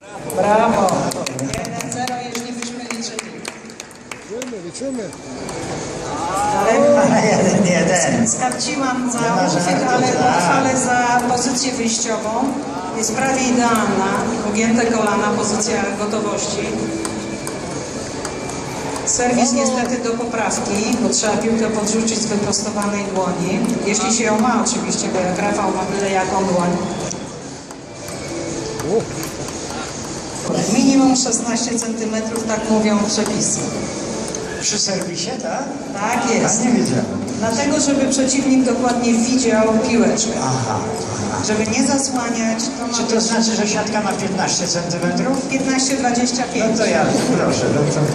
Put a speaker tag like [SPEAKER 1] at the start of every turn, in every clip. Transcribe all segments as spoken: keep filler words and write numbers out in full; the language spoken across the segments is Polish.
[SPEAKER 1] Brawo! jeden zero, jeśli byśmy liczyli.
[SPEAKER 2] Liczymy, liczymy.
[SPEAKER 1] Ale
[SPEAKER 3] Jeden, jeden.
[SPEAKER 1] skarciłam za
[SPEAKER 3] Nie ma
[SPEAKER 1] uchwyt,
[SPEAKER 3] żartu,
[SPEAKER 1] ale
[SPEAKER 3] tak.
[SPEAKER 1] uchwalę za pozycję wyjściową. Jest prawie idealna. Ugięte kolana, pozycja gotowości. Serwis niestety do poprawki, bo trzeba piłkę podrzucić z wyprostowanej dłoni. Jeśli się ją ma oczywiście, bo jak Rafał ma byle jaką dłoń. Minimum szesnaście centymetrów, tak mówią przepisy.
[SPEAKER 3] Przy serwisie, tak?
[SPEAKER 1] Tak jest.
[SPEAKER 3] Ja nie wiedziałem.
[SPEAKER 1] Dlatego, żeby przeciwnik dokładnie widział piłeczkę.
[SPEAKER 3] Aha, aha.
[SPEAKER 1] Żeby nie zasłaniać, to ma
[SPEAKER 3] Czy to znaczy, że siatka ma piętnaście centymetrów?
[SPEAKER 1] piętnaście dwadzieścia pięć.
[SPEAKER 3] No to ja, proszę, no to...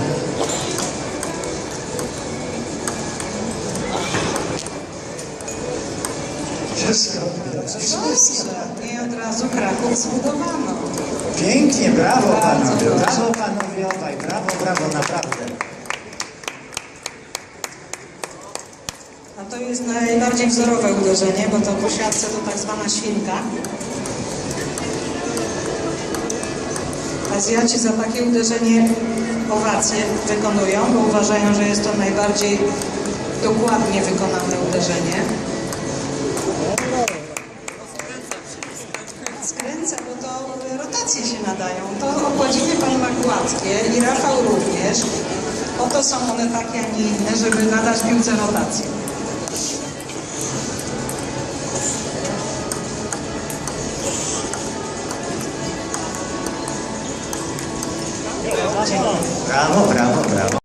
[SPEAKER 3] Wszystko. Wszystko.
[SPEAKER 1] I od razu Kraków zbudowano.
[SPEAKER 3] Pięknie, brawo
[SPEAKER 1] Bardzo
[SPEAKER 3] panowie,
[SPEAKER 1] proszę.
[SPEAKER 3] brawo panowie obaj, brawo, brawo, naprawdę.
[SPEAKER 1] A to jest najbardziej wzorowe uderzenie, bo to po siatce to tak zwana świnka. Azjaci za takie uderzenie owacje wykonują, bo uważają, że jest to najbardziej dokładnie wykonane uderzenie. Skręca, bo to rotacje się nadają. To okładziny pan ma gładkie i Rafał również. Oto są one takie, a nie inne, żeby nadać piłce rotację.
[SPEAKER 3] Brawo, brawo, brawo.